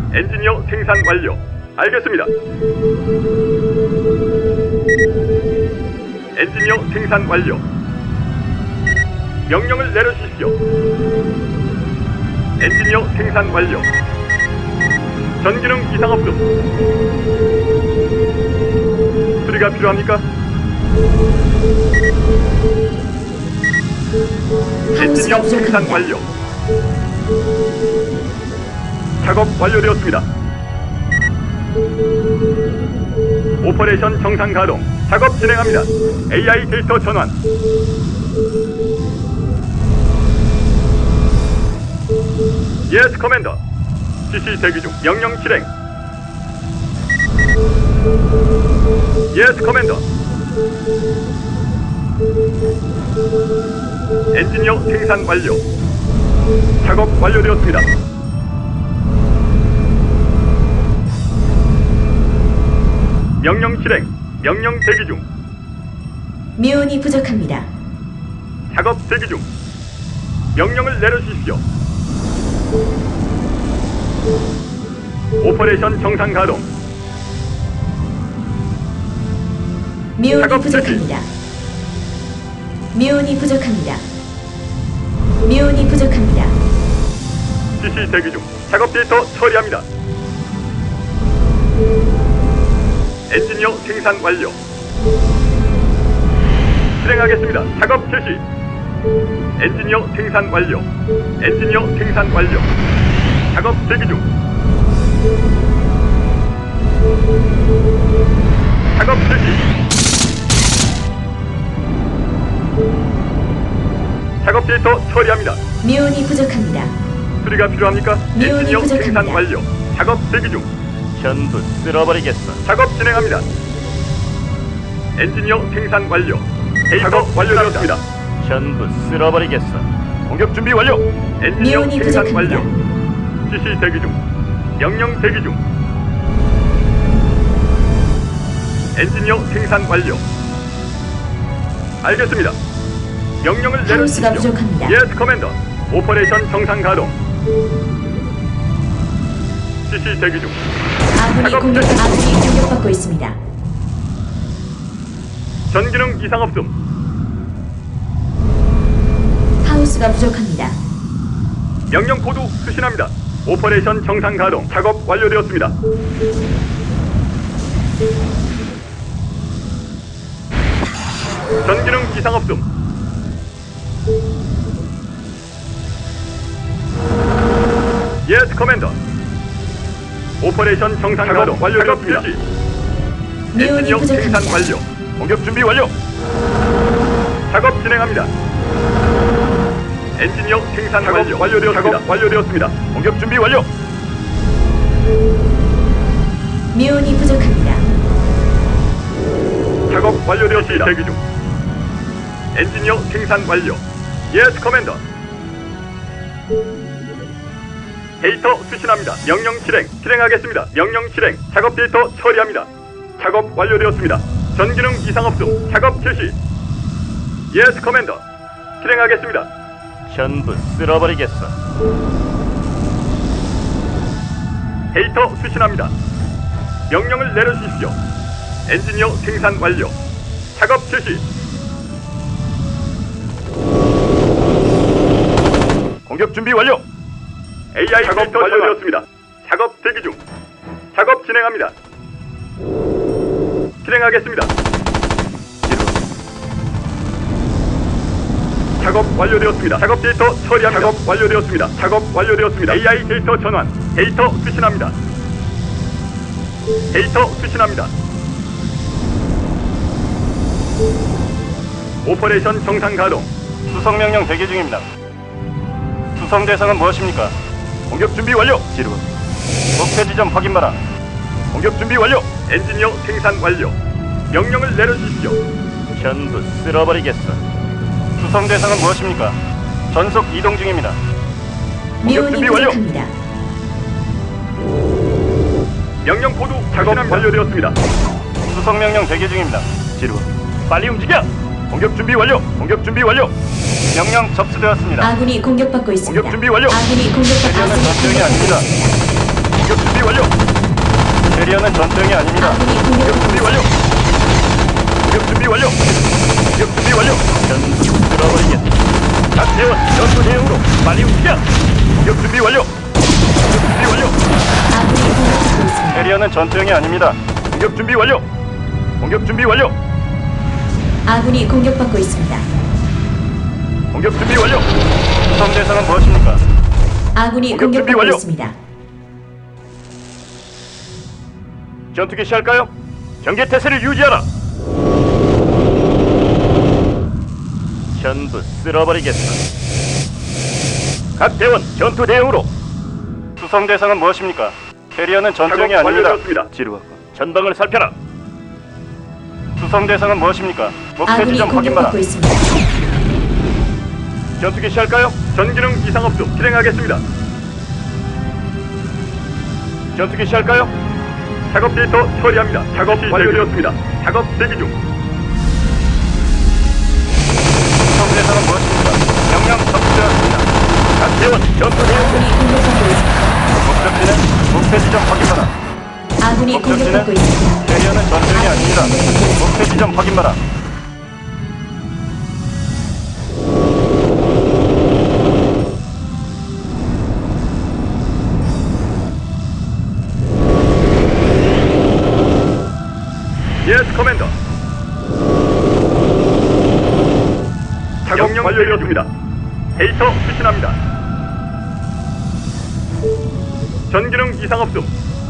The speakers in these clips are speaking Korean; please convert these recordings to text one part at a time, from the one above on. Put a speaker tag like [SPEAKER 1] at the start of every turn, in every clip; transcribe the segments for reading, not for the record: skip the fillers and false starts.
[SPEAKER 1] 엔지니어 생산 완료. 알겠습니다. 엔지니어 생산 완료. 명령을 내려주십시오. 엔지니어 생산 완료. 전기능 이상 없음. 수리가 필요합니까? 엔지니어 생산 완료. 작업 완료되었습니다. 오퍼레이션 정상 가동. 작업 진행합니다. AI 데이터 전환. 예스 커맨더. 지시 대기 중. 명령 실행. 예스 커맨더. 엔지니어 생산 완료. 작업 완료되었습니다. 명령 실행. 명령 대기 중.
[SPEAKER 2] 미온이 부족합니다.
[SPEAKER 1] 작업 대기 중. 명령을 내려주십시오. 오퍼레이션 정상 가동.
[SPEAKER 2] 미온이
[SPEAKER 1] 작업
[SPEAKER 2] 부족합니다. 미온이 부족합니다. 미온이 부족합니다.
[SPEAKER 1] 지시 대기 중. 작업 데이터 처리합니다. 엔지니어 생산 완료. 실행하겠습니다. 작업 실시. 엔지니어 생산 완료. 엔지니어 생산 완료. 작업 대기 중. 작업 실시. 작업 데이터 처리합니다.
[SPEAKER 2] 미온이 부족합니다.
[SPEAKER 1] 수리가 필요합니까?
[SPEAKER 2] 미온이
[SPEAKER 1] 엔지니어
[SPEAKER 2] 부족합니다.
[SPEAKER 1] 생산 완료. 작업 대기 중.
[SPEAKER 3] 전부 쓸어버리겠어.
[SPEAKER 1] 작업 진행합니다. 엔지니어 생산 완료. 작업 완료되었습니다.
[SPEAKER 3] 전부 쓸어버리겠어.
[SPEAKER 1] 공격 준비 완료. 엔지니어
[SPEAKER 2] 미온이
[SPEAKER 1] 생산
[SPEAKER 2] 부족합니다.
[SPEAKER 1] 완료. 지시 대기 중. 명령 대기 중. 엔지니어 생산 완료. 알겠습니다. 명령을
[SPEAKER 2] 하우스가
[SPEAKER 1] 내려주십시오.
[SPEAKER 2] 부족합니다.
[SPEAKER 1] 예스 커맨더. 오퍼레이션 정상 가동. 지시 대기 중.
[SPEAKER 2] 아군이 공격받고 있습니다.
[SPEAKER 1] 전기능 이상 없음.
[SPEAKER 2] 하우스가 부족합니다.
[SPEAKER 1] 명령 코드 수신합니다. 오퍼레이션 정상 가동. 작업 완료되었습니다. 전기능 이상 없음. 예스 커맨더. 오퍼레이션 정상 가동 완료되었습니다.
[SPEAKER 2] 미온이
[SPEAKER 1] 엔지니어 생산
[SPEAKER 2] 부족합니다.
[SPEAKER 1] 완료. 공격 준비 완료. 작업 진행합니다. 엔지니어 생산 완료. 완료되었습니다. 작업 완료되었습니다. 공격 준비 완료.
[SPEAKER 2] 미온이 부족합니다.
[SPEAKER 1] 작업 완료되었습니다. 대기 중. 엔지니어 생산 완료. 예스 커맨더. 데이터 수신합니다. 명령 실행. 실행하겠습니다. 명령 실행. 작업 데이터 처리합니다. 작업 완료되었습니다. 전기능 이상 없음. 작업 실시. 예스 커맨더. 실행하겠습니다.
[SPEAKER 3] 전부 쓸어버리겠어.
[SPEAKER 1] 데이터 수신합니다. 명령을 내려주십시오. 엔지니어 생산 완료. 작업 실시. 공격 준비 완료. AI 작업 완료되었습니다. 작업 대기 중. 작업 진행합니다. 실행하겠습니다. 작업 완료되었습니다. 작업 데이터 처리합니다. 작업 완료되었습니다. 작업 완료되었습니다. AI 데이터 전환. 데이터 수신합니다. 데이터 수신합니다. 오퍼레이션 정상 가동.
[SPEAKER 3] 수송 명령 대기 중입니다. 수송 대상은 무엇입니까?
[SPEAKER 1] 공격 준비 완료.
[SPEAKER 3] 지루. 목표 지점 확인 바라.
[SPEAKER 1] 공격 준비 완료. 엔지니어 생산 완료. 명령을 내려주십시오.
[SPEAKER 3] 전부 쓸어버리겠어. 수송 대상은 무엇입니까? 전속 이동 중입니다.
[SPEAKER 2] 미온이
[SPEAKER 1] 준비 완료.
[SPEAKER 2] 부족합니다.
[SPEAKER 1] 명령 코드 작업 완료되었습니다.
[SPEAKER 3] 수송 명령 대기 중입니다. 지루.
[SPEAKER 1] 빨리 움직여. 공격 준비 완료. 공격 준비 완료.
[SPEAKER 3] 명령 접수되었습니다.
[SPEAKER 2] 아군이 공격받고 있습니다.
[SPEAKER 1] 공격 준비 완료.
[SPEAKER 2] 아군이 공격받고
[SPEAKER 3] 대기하는 전쟁이
[SPEAKER 2] 있습니다.
[SPEAKER 3] 아닙니다.
[SPEAKER 1] 공격 준비 완료.
[SPEAKER 3] 캐리어는 전투형이 아닙니다.
[SPEAKER 2] 아군이
[SPEAKER 1] 공격
[SPEAKER 2] 공격받고
[SPEAKER 1] 준비 완료. 공격 준비 완료. 공격 준비 완료.
[SPEAKER 3] 전부 쓸어버리겠다.
[SPEAKER 1] 각 대원 전투 대응으로 빨리 움직여. 공격 준비 완료. 공격 준비 완료.
[SPEAKER 2] 아군이 공격받고 있습니다.
[SPEAKER 3] 캐리어는 전투형이 아닙니다.
[SPEAKER 1] 공격 준비 완료. 공격 준비 완료.
[SPEAKER 2] 아군이 공격받고 있습니다.
[SPEAKER 1] 공격 준비 완료.
[SPEAKER 3] 수송 대상은 무엇입니까?
[SPEAKER 2] 아군이
[SPEAKER 1] 공격 준비
[SPEAKER 2] 공격받고
[SPEAKER 1] 완료.
[SPEAKER 2] 있습니다.
[SPEAKER 1] 전투기 시할까요? 경계 태세를 유지하라.
[SPEAKER 3] 전부 쓸어버리겠다.
[SPEAKER 1] 각 대원 전투 대응으로.
[SPEAKER 3] 수송 대상은 무엇입니까? 캐리어는 전투형이
[SPEAKER 1] 작업
[SPEAKER 3] 아닙니다.
[SPEAKER 1] 완료되었습니다.
[SPEAKER 3] 지루하고.
[SPEAKER 1] 전방을 살펴라.
[SPEAKER 3] 수송 대상은 무엇입니까? 목표
[SPEAKER 2] 아군이
[SPEAKER 3] 지점 확인하라.
[SPEAKER 2] 공격받고 있습니다.
[SPEAKER 1] 전투기 시할까요? 전기능 이상 없음 실행하겠습니다. 전투기 시할까요? 작업 데이터 처리합니다. 작업 완료되었습니다. 작업 대기 중.
[SPEAKER 3] 수송 대상은 무엇입니까?
[SPEAKER 1] 명령 접수되었습니다. 각 대원 전투 대응.
[SPEAKER 2] 아군이 공격받고 있습니다.
[SPEAKER 3] 목적지는 목표 지점 확인하라.
[SPEAKER 2] 아군이 공격받고 있습니다.
[SPEAKER 3] 캐리어는 전투형이 아닙니다. 목표 지점 확인하라.
[SPEAKER 1] 예스 커맨더. 작업령 완료되었습니다. 데이터 수신합니다. 전기능 이상 없음.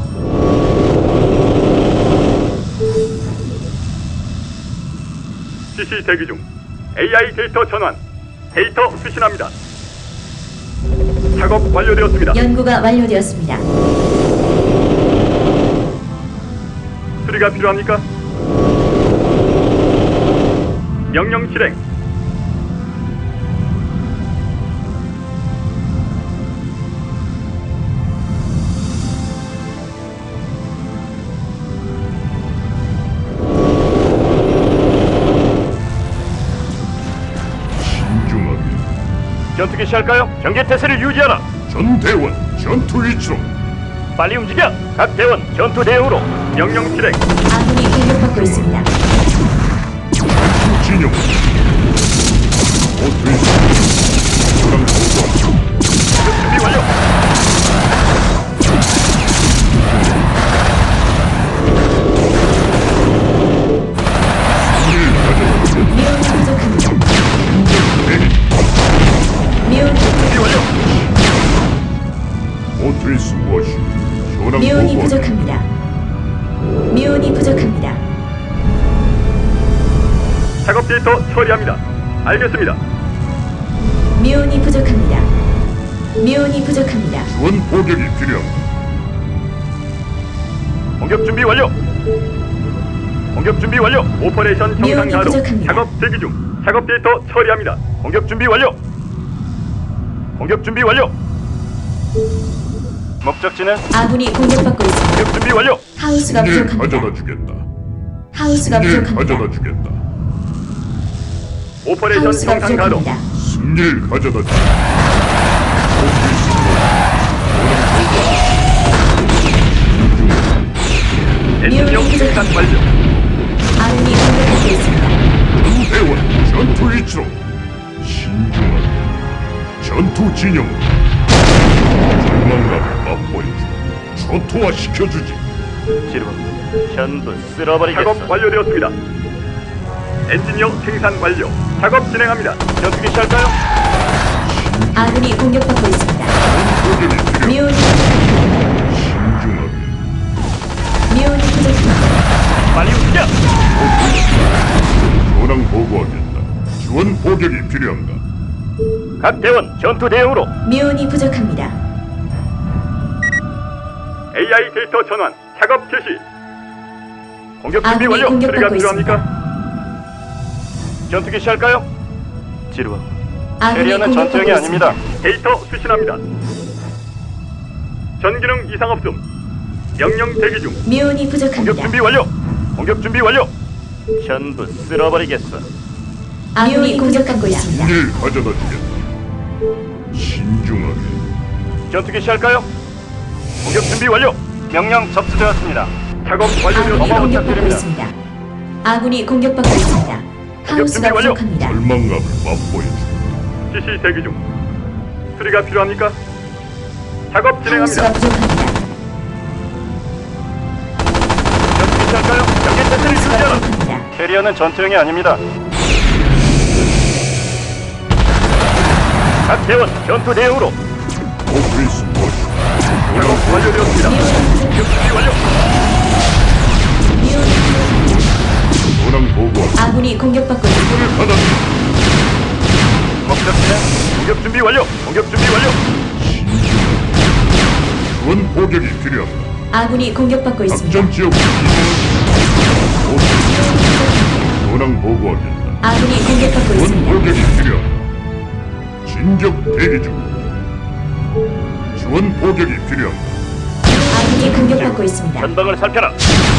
[SPEAKER 1] CC 대기 중. AI 데이터 전환. 데이터 수신합니다. 작업 완료되었습니다.
[SPEAKER 2] 연구가 완료되었습니다.
[SPEAKER 1] 수리가 필요합니까? 명령 실행.
[SPEAKER 4] 신중하게
[SPEAKER 1] 전투기 시할까요? 경계 태세를 유지하라.
[SPEAKER 4] 전대원 전투 위치로
[SPEAKER 1] 빨리 움직여. 각 대원 전투 대응으로. 명령 실행.
[SPEAKER 2] 아군이 공격받고 있습니다.
[SPEAKER 4] 전투 진영 모두 저랑 보고
[SPEAKER 1] 준비 완료.
[SPEAKER 4] 승리를 가져다
[SPEAKER 2] 미온이 부족합니다. 미온이
[SPEAKER 1] 준비 완료.
[SPEAKER 4] 못할 수 무엇이 저랑
[SPEAKER 2] 미온이
[SPEAKER 4] 보고
[SPEAKER 2] 부족합니다. 미온이 부족합니다.
[SPEAKER 1] 작업 데이터 처리합니다. 알겠습니다.
[SPEAKER 2] 미온이 부족합니다. 미온이 부족합니다.
[SPEAKER 4] 지원 포격이 필요합니다.
[SPEAKER 1] 공격 준비 완료. 공격 준비 완료. 오퍼레이션 정상
[SPEAKER 2] 미온이
[SPEAKER 1] 가동.
[SPEAKER 2] 부족합니다.
[SPEAKER 1] 작업 대기 중. 작업 데이터 처리합니다. 공격 준비 완료. 공격 준비 완료.
[SPEAKER 3] 목적지는
[SPEAKER 2] 아군이 공격받고 있습니다.
[SPEAKER 1] 공격 준비 완료.
[SPEAKER 2] 하우스가
[SPEAKER 4] 승리를
[SPEAKER 2] 부족합니다.
[SPEAKER 4] 가져다 주겠다.
[SPEAKER 2] 하우스가
[SPEAKER 4] 승리를
[SPEAKER 2] 부족합니다.
[SPEAKER 4] 가져다 주겠다.
[SPEAKER 1] 오퍼레이션
[SPEAKER 2] 하우스가
[SPEAKER 1] 정상 가동.
[SPEAKER 2] 부족합니다.
[SPEAKER 4] 승리를 가져다 주겠다. 못할 수 무엇이
[SPEAKER 1] 엔지니어 생산 완료.
[SPEAKER 2] 아군이 공격받고 있습니다.
[SPEAKER 4] 전대원 전투 위치로 신중하게 전투 진영 절망감을 맛보여주고 초토화 시켜주지.
[SPEAKER 3] 지루하고. 전부 쓸어버리겠어.
[SPEAKER 1] 작업 완료되었습니다. 엔지니어 생산 완료. 작업 진행합니다. 전투기 시할까요?
[SPEAKER 2] 아군이 공격받고 있습니다.
[SPEAKER 4] 포격이 필요합니다.
[SPEAKER 2] 미온이 부족합니다.
[SPEAKER 4] 신중하게
[SPEAKER 2] 미온이 부족합니다.
[SPEAKER 1] 빨리 움직여.
[SPEAKER 4] 전황 보고하겠다. 지원 포격이 필요한가?
[SPEAKER 1] 각 대원 전투 대응으로.
[SPEAKER 2] 미온이 부족합니다.
[SPEAKER 1] AI 데이터 전환. 작업 개시. 공격 준비
[SPEAKER 2] 아군이
[SPEAKER 1] 완료. 수리가
[SPEAKER 2] 공격받고
[SPEAKER 1] 필요합니까? 전투기 시할까요?
[SPEAKER 3] 지루하고.
[SPEAKER 2] 아군이
[SPEAKER 3] 캐리어는
[SPEAKER 2] 공격받고
[SPEAKER 3] 전투형이 아닙니다.
[SPEAKER 2] 있습니다.
[SPEAKER 1] 데이터 수신합니다. 전기능 이상 없음. 명령 대기 중.
[SPEAKER 2] 미온이
[SPEAKER 1] 공격
[SPEAKER 2] 부족합니다.
[SPEAKER 1] 준비 완료. 공격 준비 완료.
[SPEAKER 3] 전부 쓸어버리겠어.
[SPEAKER 2] 아군이 공격받고 있습니다.
[SPEAKER 4] 승리를 가져다 주겠다. 신중하게
[SPEAKER 1] 전투기 시할까요? 공격 준비 완료.
[SPEAKER 3] 명령 접수되었습니다.
[SPEAKER 1] 작업
[SPEAKER 2] 아군이
[SPEAKER 1] 완료되었습니다.
[SPEAKER 2] 공격받고
[SPEAKER 3] 부탁드립니다.
[SPEAKER 2] 있습니다. 아군이 공격받고 있습니다. 하우스가
[SPEAKER 1] 준비 완료.
[SPEAKER 2] 부족합니다.
[SPEAKER 4] 절망감을 맛보여주마.
[SPEAKER 1] 지시 대기 중. 수리가 필요합니까? 작업 진행합니다.
[SPEAKER 2] 하우스가 부족합니다.
[SPEAKER 1] 연습 할까요? 경계 태세를
[SPEAKER 2] 하우스가
[SPEAKER 1] 유지하라.
[SPEAKER 2] 부족합니다.
[SPEAKER 3] 캐리어는 전투형이 아닙니다.
[SPEAKER 1] 각 대원 전투 대응으로.
[SPEAKER 4] 오페이스 무엇이오?
[SPEAKER 1] 작업 완료되었습니다. 공격 준비 완료.
[SPEAKER 4] 도랑 보고하라.
[SPEAKER 2] 아군이 공격받고 있습니다.
[SPEAKER 4] 문을 닫아주마.
[SPEAKER 1] 법적 진행. 공격 준비 완료. 공격 준비 완료.
[SPEAKER 4] 지원 포격이 필요합니다.
[SPEAKER 2] 아군이 공격받고 있습니다.
[SPEAKER 4] 작전 지역 이동은 오페이스. 도랑 보고하겠다.
[SPEAKER 2] 아군이 공격받고
[SPEAKER 4] 지원
[SPEAKER 2] 있습니다.
[SPEAKER 4] 포격이 필요합니다. 진격 대기 중. 지원 포격이 필요합니다.
[SPEAKER 2] 아군이 공격받고 있습니다.
[SPEAKER 3] 전방을 살펴라.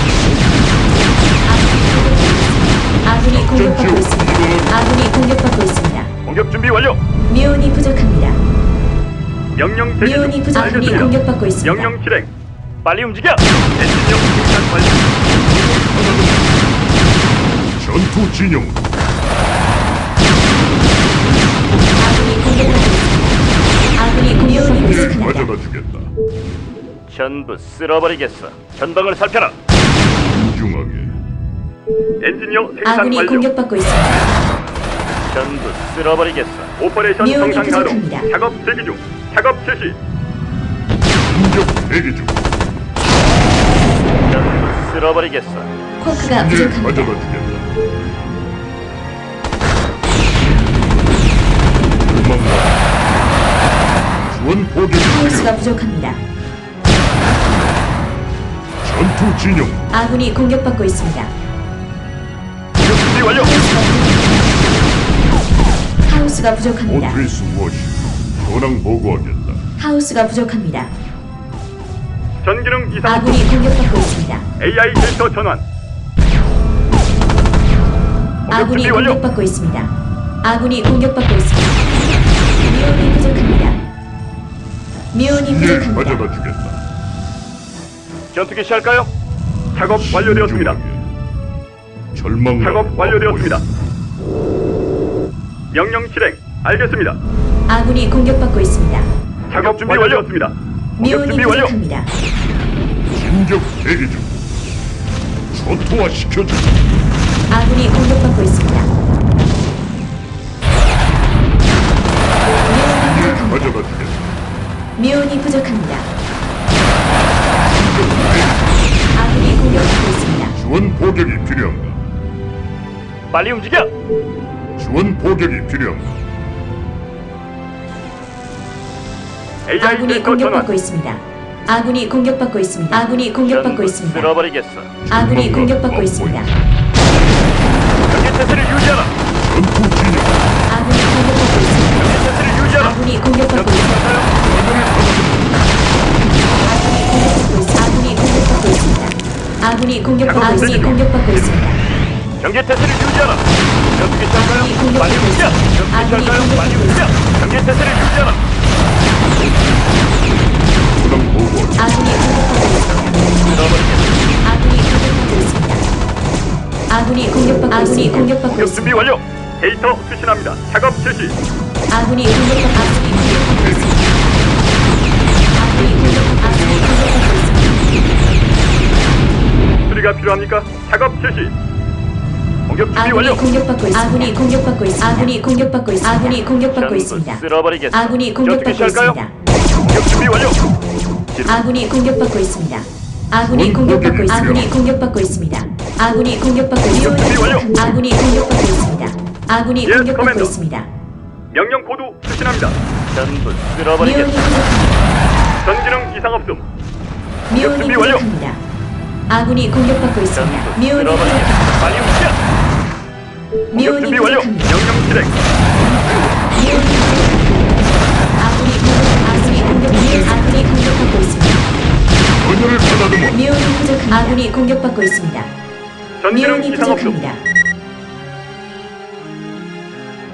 [SPEAKER 2] 아군이 공격받고 있습니다. 아군이 공격받고 있습니다.
[SPEAKER 1] 공격 준비 완료.
[SPEAKER 2] 미온이 부족합니다.
[SPEAKER 1] 명령 대기
[SPEAKER 2] 미온이
[SPEAKER 1] 중.
[SPEAKER 2] 부족. 아군이
[SPEAKER 1] 알겠습니다.
[SPEAKER 2] 공격받고 있습니다.
[SPEAKER 1] 명령 실행.
[SPEAKER 3] 빨리 움직여.
[SPEAKER 1] 엔진용 생산 완료.
[SPEAKER 4] 전투 진영.
[SPEAKER 2] 아군이 공격받고 있습니다. 아군이 공격받고
[SPEAKER 4] 를
[SPEAKER 2] 있습니다.
[SPEAKER 4] 가져다 주겠다.
[SPEAKER 3] 전부 쓸어버리겠어. 전방을 살펴라.
[SPEAKER 4] 신중하게.
[SPEAKER 1] 엔진용 생산
[SPEAKER 2] 아군이
[SPEAKER 1] 완료.
[SPEAKER 2] 공격받고 있습니다.
[SPEAKER 3] 전부 쓸어버리겠어.
[SPEAKER 1] 오퍼레이션
[SPEAKER 2] 미온이
[SPEAKER 1] 정상 가동.
[SPEAKER 2] 부족합니다.
[SPEAKER 1] 작업 대기 중. 작업 실시.
[SPEAKER 4] 진격 대기 중.
[SPEAKER 3] 전부 쓸어버리겠어.
[SPEAKER 2] 쿼크가
[SPEAKER 4] 를
[SPEAKER 2] 부족합니다.
[SPEAKER 4] 가져다 주겠다. 절망감. 지원 포격이
[SPEAKER 2] 하우스가
[SPEAKER 4] 필요합니다.
[SPEAKER 2] 부족합니다.
[SPEAKER 4] 전투 진영.
[SPEAKER 2] 아군이 공격받고 있습니다.
[SPEAKER 1] 공격 준비 완료.
[SPEAKER 2] 하우스가 부족합니다.
[SPEAKER 4] 오페이스 무엇이오? 도랑 보고하겠다.
[SPEAKER 2] 하우스가 부족합니다.
[SPEAKER 1] 전기능 이상
[SPEAKER 2] 아군이 공격받고 있습니다.
[SPEAKER 1] AI 데이터 전환.
[SPEAKER 2] 아군이
[SPEAKER 1] 준비 완료.
[SPEAKER 2] 공격받고 있습니다. 아군이 공격받고 있습니다. 미온이 부족합니다. 미온이
[SPEAKER 4] 를
[SPEAKER 2] 부족합니다.
[SPEAKER 4] 가져다 주겠다.
[SPEAKER 3] 전투기 시할까요?
[SPEAKER 1] 작업 완료되었습니다.
[SPEAKER 4] 신중하게. 절망감.
[SPEAKER 1] 작업 완료되었습니다. 명령 실행. 알겠습니다.
[SPEAKER 2] 아군이 공격받고 있습니다.
[SPEAKER 1] 작업 준비 완료되었습니다. 공격
[SPEAKER 2] 미온이
[SPEAKER 1] 준비 완료.
[SPEAKER 2] 부족합니다.
[SPEAKER 4] 진격 대기 중. 초토화 시켜줘.
[SPEAKER 2] 아군이 공격받고 있습니다. 미온이 부족합니다.
[SPEAKER 4] 가져다 주겠다.
[SPEAKER 2] 미온이 부족합니다. 아군이 공격받고 있습니다.
[SPEAKER 4] 지원 포격이 필요합니다.
[SPEAKER 3] 빨리 움직여.
[SPEAKER 4] 지원 포격이 필요합니다.
[SPEAKER 1] AI
[SPEAKER 2] 아군이
[SPEAKER 1] 데이터 전환.
[SPEAKER 2] 공격받고 있습니다. 아군이 공격받고 있습니다. 아군이 공격받고
[SPEAKER 3] 전부
[SPEAKER 2] 있습니다.
[SPEAKER 3] 쓸어버리겠어.
[SPEAKER 2] 아군이 공격받고 있습니다.
[SPEAKER 1] 경계 태세를 유지하라.
[SPEAKER 4] 전투 진영.
[SPEAKER 2] 아군이 공격받고 있습니다.
[SPEAKER 1] 경계 태세를 유지하라.
[SPEAKER 2] 아군이 공격받고 있습니다. 아군이 공격받고 있습니다. 아군이 공격받고 있습니다.
[SPEAKER 1] 경계 태세를 유지하라. 전투기
[SPEAKER 2] 아군이
[SPEAKER 1] 시작할까요?
[SPEAKER 2] 공격받고
[SPEAKER 1] 빨리 움직여.
[SPEAKER 2] 있습니다.
[SPEAKER 1] 전투기
[SPEAKER 2] 아군이
[SPEAKER 1] 시작할까요? 빨리
[SPEAKER 2] 공격받고
[SPEAKER 1] 움직여. 경계 태세를 유지하라.
[SPEAKER 4] 도랑 보고하겠다.
[SPEAKER 2] 아군이 공격받고 있습니다. 아군이 공격받고 있습니다. 아군이 공격받고
[SPEAKER 1] 공격 준비
[SPEAKER 2] 있습니다.
[SPEAKER 1] 완료. 데이터 수신합니다. 작업 실시.
[SPEAKER 2] 아군이 공격받고 있습니다.
[SPEAKER 1] 수리가 필요합니까? 작업 실시. 공격 준비
[SPEAKER 2] 아군이
[SPEAKER 1] 완료.
[SPEAKER 2] 공격받고 있습니다. 아군이 공격받고 있습니다. 아군이 공격받고 있습니다. 아군이 공격받고
[SPEAKER 3] 전부
[SPEAKER 2] 있습니다.
[SPEAKER 3] 쓸어버리겠어.
[SPEAKER 2] 아군이 공격받고
[SPEAKER 1] 시작할까요?
[SPEAKER 2] 있습니다.
[SPEAKER 1] 공격 준비 완료.
[SPEAKER 2] 아군이 공격받고 있습니다. 아군이 공격받고 있습니다. 아군이 공격받고 있습니다. 아군이 공격받고 있습니다.
[SPEAKER 1] 준비 완료.
[SPEAKER 2] 아군이 공격받고 있습니다. 아군이
[SPEAKER 1] 예,
[SPEAKER 2] 공격받고
[SPEAKER 1] 커맨더.
[SPEAKER 2] 있습니다.
[SPEAKER 1] 명령 코드 수신합니다.
[SPEAKER 3] 전부
[SPEAKER 2] 미온이
[SPEAKER 3] 쓸어버리겠어.
[SPEAKER 2] 부족합니다.
[SPEAKER 1] 전기능 이상 없음.
[SPEAKER 2] 미온이
[SPEAKER 1] 준비 완료.
[SPEAKER 2] 부족합니다. 아군이 공격받고 있습니다.
[SPEAKER 3] 전부
[SPEAKER 2] 미온이
[SPEAKER 3] 쓸어버리겠어.
[SPEAKER 2] 부족합니다.
[SPEAKER 3] 빨리 움직여.
[SPEAKER 1] 공격
[SPEAKER 2] 미온이
[SPEAKER 1] 준비 완료.
[SPEAKER 2] 부족합니다.
[SPEAKER 1] 명령 실행.
[SPEAKER 2] 미온이 부족합니다. 아군이 공격받고 있습니다.
[SPEAKER 4] 전열을 가다듬어.
[SPEAKER 2] 미온이 부족합니다. 아군이 공격받고 있습니다.
[SPEAKER 1] 전기능
[SPEAKER 2] 미온이
[SPEAKER 1] 이상 없음.
[SPEAKER 2] 부족합니다.